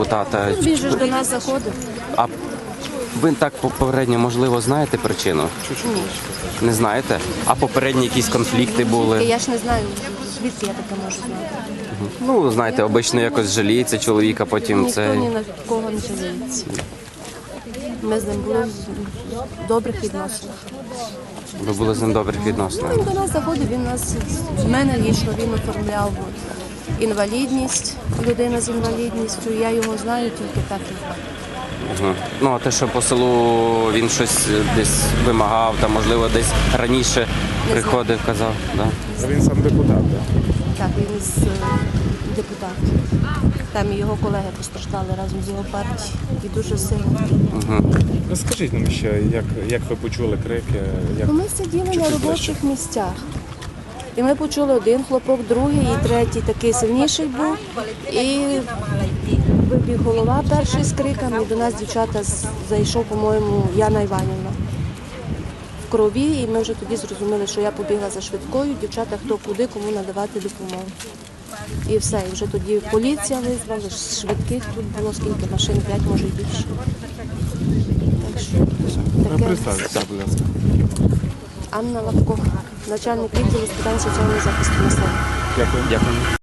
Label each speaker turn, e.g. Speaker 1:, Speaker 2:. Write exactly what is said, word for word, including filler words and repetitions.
Speaker 1: Тата,
Speaker 2: Він же ж до нас заходив.
Speaker 1: а ви так попередньо, можливо, знаєте причину?
Speaker 2: Ні.
Speaker 1: Не знаєте? А попередні якісь конфлікти були?
Speaker 2: Я ж не знаю, звідки я таке можу знати.
Speaker 1: Ну, знаєте, обично якось жаліється чоловік, а потім
Speaker 2: Ніхто
Speaker 1: це...
Speaker 2: ні на кого не жаліється. Ми з ним були в добрих відносинах.
Speaker 1: Ви були з ним в добрих відносинах.
Speaker 2: Він до нас заходив, він нас, в мене лічно він оформляв інвалідність, людина з інвалідністю. Я його знаю тільки так і так.
Speaker 1: Мгм. Ну, а те, що по селу він щось десь вимагав, та, можливо, десь раніше приходив, казав, да?
Speaker 3: А він сам депутат, так?
Speaker 2: Так, він з е, депутатів. Там і його колеги постраждали разом з його партією. І дуже сильно.
Speaker 3: Розкажіть нам ще, як, як ви почули крики, як...
Speaker 2: Ну, ми сиділи на робочих місцях. І ми почули один хлопок, другий і третій такий сильніший був. І вибіг голова перший з криками. І до нас дівчата з- зайшов, по-моєму, Яна Іванівна в крові. І ми вже тоді зрозуміли, що я побігла за швидкою, дівчата хто куди, кому надавати допомогу. І все, і вже тоді поліція визвали, швидких тут було скільки машин, п'ять, може і більше. Так що таке.
Speaker 3: Представтеся, будь ласка.
Speaker 2: Анна Лапко, начальник відділу з питань соціального захисту населення.
Speaker 3: Дякую.
Speaker 1: Дякую.